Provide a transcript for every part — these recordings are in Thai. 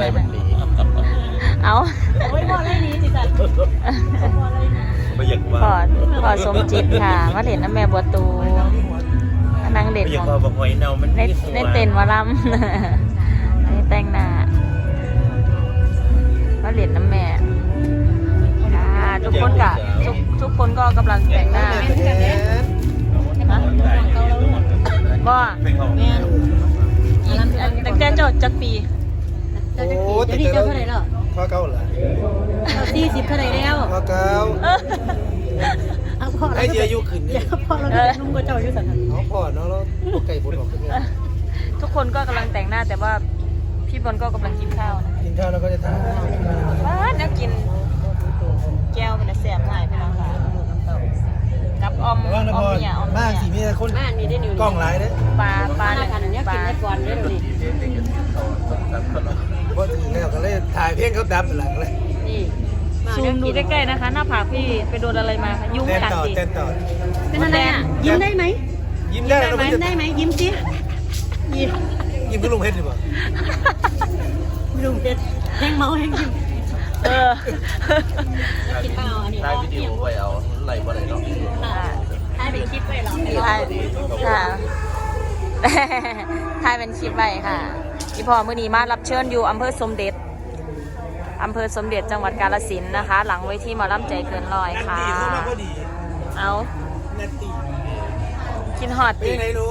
อะไรมันดีเอาโอ้ยพออะไรนี้จิจันพออะไรนี้ไม่อยากว่าพอสมจิตค่ะมาเล่นน้ำแม่บัวตูนางเด็กไม่อยาขกองว่าบางหอยเน่ามันในเต้นวาลัมในแต่งหน้ามาเล่นน้ำแม่ทุกคนกะทุกคนก็กำลังแต่งหน้าบ่แม่ตั้งแต่เจ้าจักปีเจ้าจะกี่เดี๋ยวนี้เจ้าเท่าไหร่แล้วข้อเก้าเหรอ 40เท่าไหร่แล้วข้อเก้าไอ้เจียยุขึ้นเนี่ยพอเรานุ่มก็เจ้าอยู่สันน้องพ่อน้องแล้วพวกไก่บดออกขึ้นเนี่ยทุกคนก็กำลังแต่งหน้าแต่ว่าพี่บอลก็กำลังกินข้าวนะกินข้าวแล้วก็จะทำว้าแล้วกินแก้วเป็นแซ่บง่ายพี่น้องค่ะกับอมเนี่ยบ้านสีมีแต่คนกล้องไลน์เนี่ยปลาเนี่ยกินได้ก่อนเด้อนี่เพราะถึงแล้วก็เลยถ่ายเพลงเขาดับหลังเลยนี่ซูมดูใกล้ๆนะคะหน้าผากพี่ไปโดนอะไรมาคะยุ่งกัดสิเต้นต่อเป็นอะไรอ่ะยิ้มได้ไหมยิ้มได้ไหมยิ้มสิยิ้มก็ลุงเพชรดีกว่าลุงเพชรแห้งเมาแห้งยิ้มกินเปล่าอันนี้ถ่ายวิดีโอไว้เอาไหลบ่ไหลเนาะถ่ายเป็นคลิปไว้หรอค่ะถ่ายเป็นคลิปไว้ค่ะพี่พ่อมื้อนี้มารับเชิญอยู่อำเภอสมเด็จจังหวัดกาฬสินธุ์นะคะหลังเวทีหมอลำใจเกินร้อยค่ะเอากินฮอดดิไหนหนู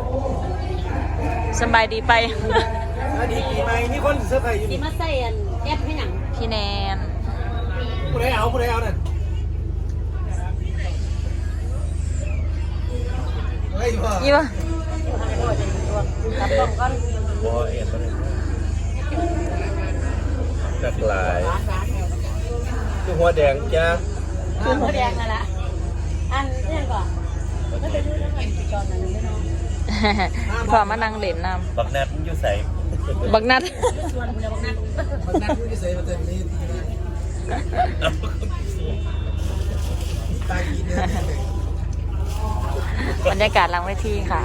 สบายดีไปดีปีใหม่มีคนเซอร์ไพรส์อยู่นี่มาใส่แอปให้หนังพี่แนนผู้ใดเอานั่นเฮ้ยพ่อยี่ป่ะรับกล่องก่อนบ่เอ็ดบ่จักหลายคือหัวแดงจ้าหัวแดงนั่นแหละอันนี้ก่อนก็จะดูเรื่องกินจอนนั่นไม่น้องพอมานั่งเล่นน้ำบักนัดมันอยู่ใส่บักนัดบักนัดอยู่ใส่มาเต็มนี้บรรยากาศหลังเวทีค่ะ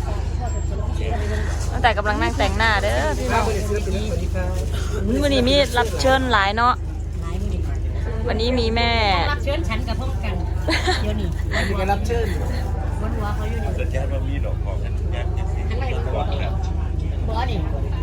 ตั้งแต่กำลังนั่งแต่งหน้าเด้อพี่น้องวันนี้มีรับเชิญหลายเนาะวันนี้มีแม่รับเชิญฉันกับพวกกันเดี๋ยวนี้มีการรับเชิญบนหัวเขาอยู่นี่จะแจ้งว่ามีดอกของกันงานทั้งไรบอนี่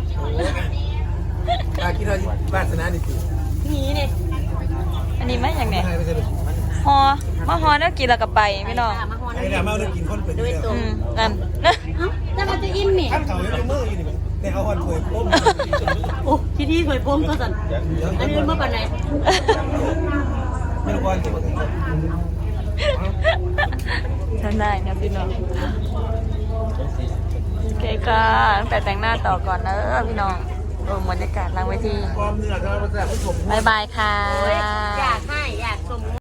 คิดว่าบ้านสนาดิสินี่เนี่ยอันนี้ไม่อย่างไงฮอมาฮอแล้วกินแล้วกับไปพี่น้องไอ้ดามาได้กินคนเป็นด้วยตัวนั่นแต่มันจะอิ่มเนี่ยข้ามเขายังมืออยู่นี่แต่เอาหอนถวยป้มโอ้ที่ถวยป้มก็สั่นอันนี้เมื่อปันไหนไม่รู้ว่าจะทำได้นะพี่น้องโอเคค่ะตั้งแต่แต่งหน้าต่อก่อนนะพี่น้องบรรยากาศหลังเวทีความเหนื่อยเราจะผู้ชมบายบายค่ะอยากชม